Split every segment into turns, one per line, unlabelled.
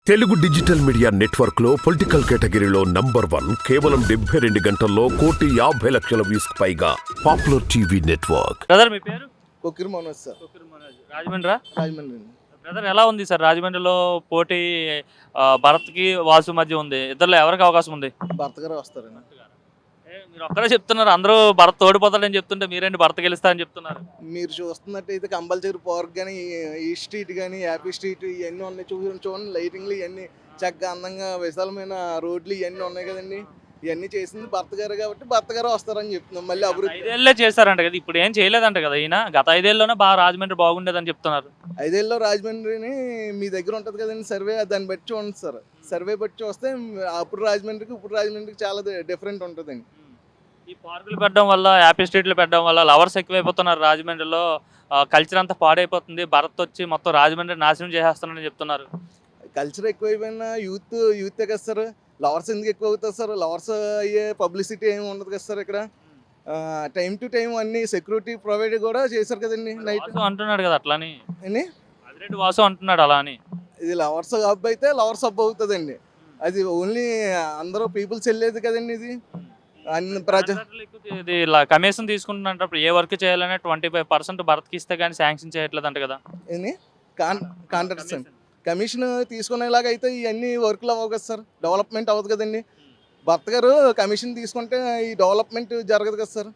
Telugu digital media network లో political కేటగిరీలో number 1 కేవలం 72 గంటల్లో 1,50,00,000 వ్యూస్ పైగా పాపులర్ టీవీ నెట్వర్క్.
బ్రదర్ మీ పేరు?
కొక్కిరి మనోజ్ సార్.
కొక్కిరి మనోజ్. రాజమండ్రి.
రాజమండ్రి.
బ్రదర్ ఎలా ఉంది సార్ రాజమండ్రిలో పోటీ? భరత్కి వాసు మధ్య ఉంది. ఇద్దరులో ఎవరికి అవకాశం ఉంది?
భర్త గారు వస్తారండి.
మీరు ఒక్కరే చెప్తున్నారు, అందరూ భరత్ ఓడిపోతాడని చెప్తుంటే మీరేంటి భరత్ గెలుస్తా అని చెప్తున్నారు?
మీరు చూస్తున్నట్టయితే కంపల్సరీ పార్క్ కానీ ఈ స్ట్రీట్ కానీ హ్యాపీ స్ట్రీట్ ఇవన్నీ ఉన్నాయి. చూడండి లైటింగ్లు ఇవన్నీ చక్కగా అందంగా విశాలమైన రోడ్లు ఇవన్నీ ఉన్నాయి కదండి. ఇవన్నీ చేసింది భర్త గారు కాబట్టి భర్త గారు వస్తారని చెప్తున్నాం. మళ్ళీ అభివృద్ధి
5 ఏళ్ళే చేశారంట కదా, ఇప్పుడు ఏం చేయలేదంట కదా ఈయన. గత 5 ఏళ్ళలోనే బాగా రాజమండ్రి బాగుండేదని చెప్తున్నారు.
5 ఏళ్ళలో రాజమండ్రిని మీ దగ్గర ఉంటుంది కదండి సర్వే, దాన్ని బట్టి చూడండి సార్. సర్వే బట్టి చూస్తే అప్పుడు రాజమండ్రికి ఇప్పుడు రాజమండ్రికి చాలా డిఫరెంట్ ఉంటుందండి.
ఈ పార్కులు పెట్టడం వల్ల, హ్యాపీ స్ట్రీట్లు పెట్టడం వల్ల లవర్స్ ఎక్కువైపోతున్నారు రాజమండ్రిలో. కల్చర్ అంతా పాడైపోతుంది. భరత్ వచ్చి మొత్తం రాజమండ్రి నాశనం చేసేస్తున్నారని చెప్తున్నారు.
కల్చర్ ఎక్కువైపోయినా యూతే కదా సార్. లవర్స్ ఎందుకు ఎక్కువ అవుతుంది సార్? లవర్స్ అయ్యే పబ్లిసిటీ ఏమి ఉండదు కదా సార్. ఇక్కడ టైం టు టైం అన్ని సెక్యూరిటీ ప్రొవైడ్ కూడా చేశారు కదండి. నైట్
అంటున్నాడు కదా అట్లాని,
అని
అదిరెడ్డి వాసు అంటున్నాడు అలా అని.
ఇది లవర్స్ హబ్ అయితే లవర్స్ హబ్ అవుతుందండి. అది ఓన్లీ అందరూ పీపుల్స్ వెళ్ళేది కదండి. ఇది అన్ని
ఇది కమిషన్ తీసుకుంటున్నప్పుడు ఏ వర్క్ చేయాలనే 25% భరత్కి ఇస్తే కానీ శాంక్షన్ చేయట్లేదు అంట కదా.
కాంట్రాక్ట్స్ కమిషన్ తీసుకునేలాగా అయితే ఇవన్నీ వర్క్లు అవ్వవు కదా సార్. డెవలప్మెంట్ అవ్వదు కదండి. భర్త గారు కమిషన్ తీసుకుంటే ఈ డెవలప్మెంట్ జరగదు కదా సార్.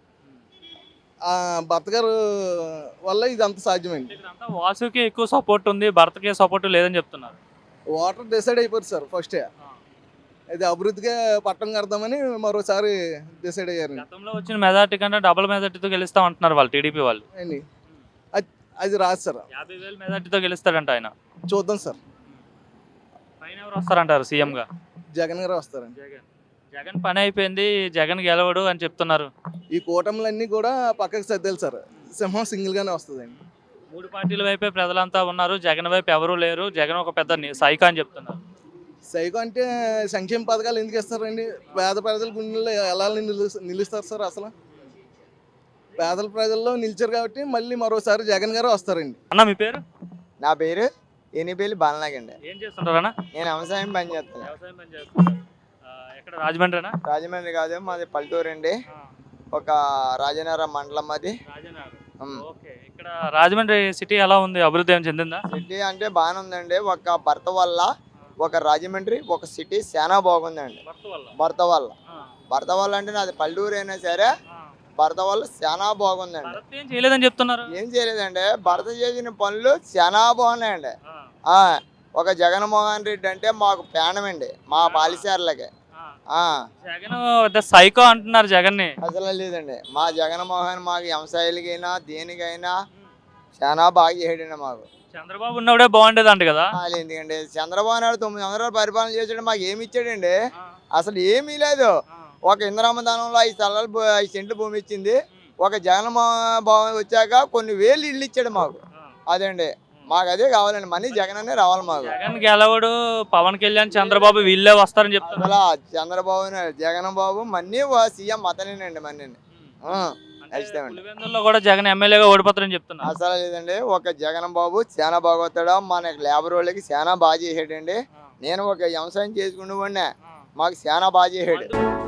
భర్త గారు వల్ల ఇది అంత సాధ్యమైంది.
వాసుకి ఎక్కువ సపోర్ట్ ఉంది, భరత్కి సపోర్ట్ లేదని చెప్తున్నారు.
వాటర్ డిసైడ్ అయిపోతుంది సార్ ఫస్టే. ఇది అభివృద్ధిగా పట్టం కడదామని మరోసారి డిసైడ్ అయ్యారు.
గతంలో వచ్చిన మెజార్టీ కంటే డబుల్ మెజార్టీతో గెలుస్తాం అంటున్నారు వాళ్ళు, టీడీపీ వాళ్ళు.
అండి అది రాదు సార్.
50,000 మెజార్టీతో గెలుస్తాడంట ఆయన.
చూద్దాం సార్.
పైన ఎవరు వస్తారంటారు సీఎంగా?
జగన్ గారు వస్తారండి.
జగన్ పని అయిపోయింది, జగన్ గెలవడు అని చెప్తున్నారు.
ఈ కూటములన్నీ కూడా పక్కకు సర్దేలు సార్. సింహం సింగిల్గానే వస్తుందండి.
3 పార్టీల వైపే ప్రజలంతా ఉన్నారు, జగన్ వైపు ఎవరూ లేరు. జగన్ ఒక పెద్ద సైకో అని చెప్తున్నారు.
సైకో అంటే సంక్షేమ పథకాలు ఎందుకు ఇస్తారండి? పేద ప్రజల గుండెల్లో ఎలా నిలుస్తారు సార్? అసలు పేదల ప్రజల్లో నిలిచారు కాబట్టి మళ్ళీ మరోసారి జగన్ గారు వస్తారండి.
అన్న మీ పేరు?
నా పేరు ఎనిపేలి బాలనాగండి.
ఏం చేస్తుంటారన్నా?
నేను వ్యవసాయం పని చేస్తాను.
వ్యవసాయం పని చేస్తున్నారు. ఎక్కడ రాజమండ్రినా?
రాజమండ్రి కాదు, మాది పల్లెటూరు అండి. ఒక రాజనగరం మండలం అది.
ఓకే. ఇక్కడ రాజమండ్రి సిటీ ఎలా ఉంది? అభివృద్ధి ఏం చెందిందా?
సిటీ అంటే బాగానే ఉందండి. ఒక భర్త వల్ల ఒక రాజమండ్రి ఒక సిటీ చాలా బాగుందండి. భర్త వల్ల అంటే నాది పల్లెటూరు అయినా సరే భర్త వల్ల చాలా బాగుందండి.
ఏం చేయలేదని చెప్తున్నారు.
ఏం చేయలేదండి, భర్త చేసిన పనులు చాలా బాగున్నాయండి. ఒక జగన్మోహన్ రెడ్డి అంటే మాకు ప్రాణమండి, మా పాలిసార్లకి.
జగన్ సైకో అంటున్నారు జగన్ ని.
అసలు లేదండి, మా జగన్మోహన్ మాకు వ్యవసాయాలకైనా దేనికైనా చాలా బాగా చేయడండి. మాకు
చంద్రబాబు ఉన్నప్పుడే బాగుండేది అంట కదా.
ఎందుకండి, చంద్రబాబు నాయుడు 9 సంవత్సరాలు పరిపాలన చేసాడు, మాకు ఏమి ఇచ్చాడండి? అసలు ఏమీ లేదు. ఒక ఇంద్రామదానంలో 5 సెంట్లు భూమి ఇచ్చింది. ఒక జగన్మోహన్ వచ్చాక కొన్ని వేలు ఇళ్ళు ఇచ్చాడు మాకు. అదండి మాకు అదే కావాలండి. మనీ జగన్ అనే రావాలి మాకు.
జగన్ గెలవడు, పవన్ కళ్యాణ్ చంద్రబాబు వీళ్ళే వస్తారని చెప్తారు.
అసలు చంద్రబాబు జగన్ బాబు మన్నీ సీఎం అతనేనండి. మన్నీని
కూడా జగన్ ఎమ్మెల్యేగా ఓడిపోతారని చెప్తున్నారు.
అసలు లేదండి, ఒక జగన్ బాబు చాలా బాగోతాడు. మన లేబర్ వాళ్ళకి చాలా బాగా చేసాడండి. నేను ఒక వ్యవసాయం చేసుకునే వాడినే, మాకు చాలా బాగా చేసాడు.